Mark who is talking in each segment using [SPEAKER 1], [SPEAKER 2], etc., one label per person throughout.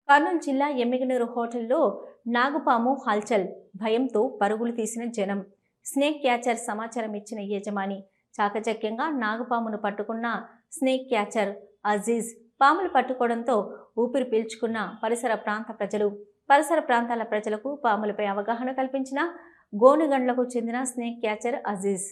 [SPEAKER 1] కర్నూలు జిల్లా ఎమ్మిగనూరు హోటల్లో నాగుపాము హల్చల్, భయంతో పరుగులు తీసిన జనం. స్నేక్ క్యాచర్ సమాచారం ఇచ్చిన యజమాని చాకచక్యంగా నాగుపామును పట్టుకున్న స్నేక్ క్యాచర్ అజీజ్ పాములు పట్టుకోవడంతో ఊపిరి పీల్చుకున్న పరిసర ప్రాంతాల ప్రజలకు పాములపై అవగాహన కల్పించిన గోనుగండ్లకు చెందిన స్నేక్ క్యాచర్ అజీజ్.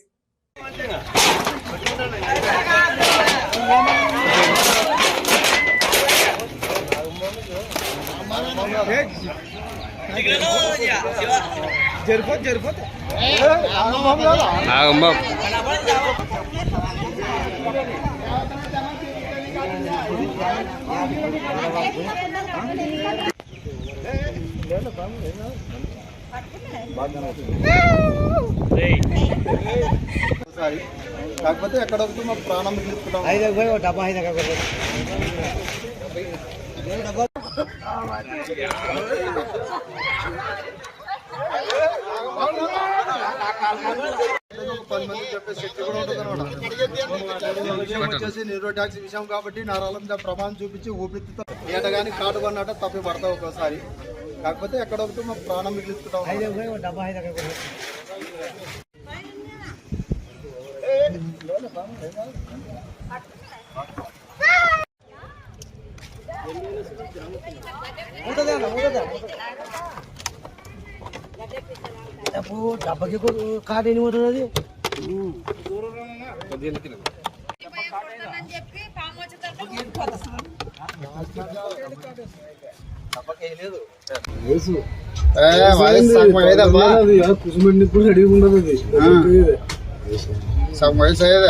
[SPEAKER 2] కాకపోతే ఎక్కడ మా ప్రాణం వచ్చేసి నీరో ట్యాక్సీ విషయం కాబట్టి నరాల మీద ప్రమాణం చూపించి ఊపిరితో ఏట కానీ కాటు కొన్నట తప్పి పడతావు ఒక్కోసారి. కాకపోతే ఎక్కడ ఒకటి మా ప్రాణం మిగిలిస్తున్నాం.
[SPEAKER 3] డబ్బకి కాటు ఎన్ని పోతుంది అది.
[SPEAKER 2] కుసుమండి కూడా అడిగి ఉండదు అది సగం వయసు అయ్యేదా.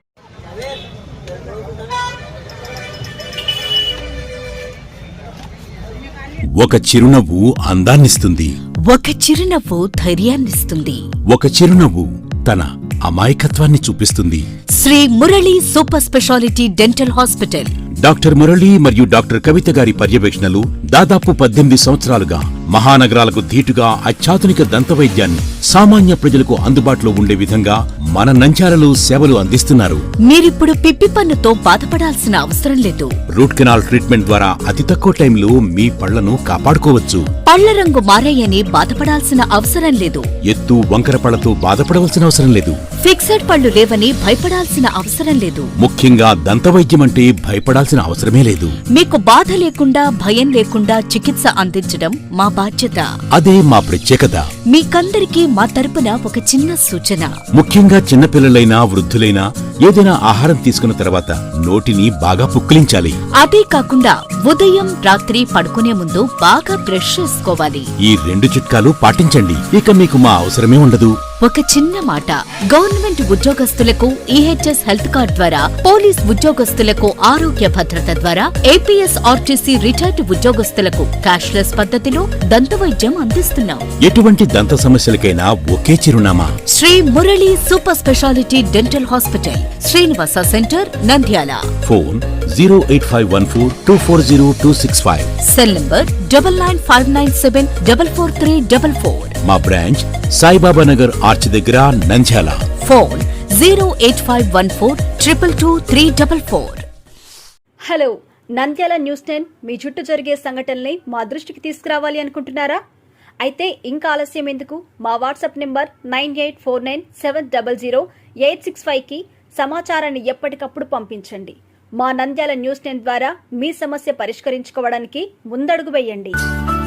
[SPEAKER 4] ఒక చిరునవ్వు అందాన్నిస్తుంది,
[SPEAKER 5] ఒక చిరునవ్వు ధైర్యాన్నిస్తుంది,
[SPEAKER 4] ఒక చిరునవ్వు తన అమాయకత్వాన్ని చూపిస్తుంది.
[SPEAKER 5] Shri Murali super speciality dental hospital.
[SPEAKER 4] Doctor Murali మరియు డాక్టర్ కవిత గారి పర్యవేక్షణలు దాదాపు 18 సంవత్సరాలుగా మహానగరాలకు ధీటుగా అత్యాధునిక దంతవైద్యాన్ని సామాన్య ప్రజలకు అందుబాటులో ఉండే విధంగా మన నంద్యాలలో సేవలు అందిస్తున్నారు.
[SPEAKER 5] మీరిప్పుడు పిప్పి పన్నుతో బాధపడాల్సిన అవసరం లేదు.
[SPEAKER 4] రూట్ కెనాల్ ట్రీట్మెంట్ ద్వారా అతి తక్కువ టైంలో మీ పళ్లను కాపాడుకోవచ్చు.
[SPEAKER 5] పళ్ల రంగు మారాయని బాధపడాల్సిన అవసరం లేదు.
[SPEAKER 4] ఎత్తు వంకర పళ్లతో బాధపడవలసిన అవసరం లేదు.
[SPEAKER 5] ఫిక్సెడ్ పళ్లు లేవని భయపడాల్సిన అవసరం లేదు.
[SPEAKER 4] ముఖ్యంగా దంతవైద్యం అంటే భయపడాల్సిన అవసరమే లేదు.
[SPEAKER 5] మీకు బాధ లేకుండా భయం లేకుండా చికిత్స అందించడం మా బాధ్యత.
[SPEAKER 4] అదే మా ప్రత్యేకత.
[SPEAKER 5] మీకందరికీ మా తరపున ఒక చిన్న సూచన.
[SPEAKER 4] ముఖ్యంగా చిన్నపిల్లలైనా వృద్ధులైనా ఏదైనా ఆహారం తీసుకున్న తర్వాత నోటిని బాగా పుక్కిలించాలి.
[SPEAKER 5] అదే కాకుండా ఉదయం రాత్రి పడుకునే ముందు బాగా బ్రష్ చేసుకోవాలి.
[SPEAKER 4] ఈ 2 చిట్కాలు పాటించండి, ఇక మీకు మా అవసరమే ఉండదు.
[SPEAKER 5] ఒక చిన్న మాట, గవర్నమెంట్ ఉద్యోగస్తులకు ఈహెచ్ఎస్ హెల్త్ కార్డ్ ద్వారా, పోలీస్ ఉద్యోగస్తులకు ఆరోగ్య భద్రత ద్వారా, ఏపీఎస్ ఆర్టీసీ రిటైర్డ్ ఉద్యోగస్తులకు క్యాష్లెస్ పద్ధతిలో దంతవైద్యం అందిస్తున్నాం.
[SPEAKER 4] ఎటువంటి దంత సమస్యలకైనా ఒకే చిరునామా,
[SPEAKER 5] Shri Murali super speciality dental hospital, Srinivasa centre, Nandyal.
[SPEAKER 4] Phone 08514240265.
[SPEAKER 5] Cell number 9959744344.
[SPEAKER 4] మా బ్రాంచ్ సాయిబాబా నగర్ ఆర్చ్ దగ్గర, Nandyal.
[SPEAKER 5] Phone 08514222344.
[SPEAKER 6] Hello, Nandyal news 10 మీ చుట్టూ జరిగే సంఘటనల్ని మా దృష్టికి తీసుకురావాలి అనుకుంటున్నారా? అయితే ఇంకా ఆలస్యం ఎందుకు? మా వాట్సాప్ నెంబర్ 9849700865కి సమాచారాన్ని ఎప్పటికప్పుడు పంపించండి. మా నంద్యాల న్యూస్ 10 ద్వారా మీ సమస్య పరిష్కరించుకోవడానికి ముందడుగు వేయండి.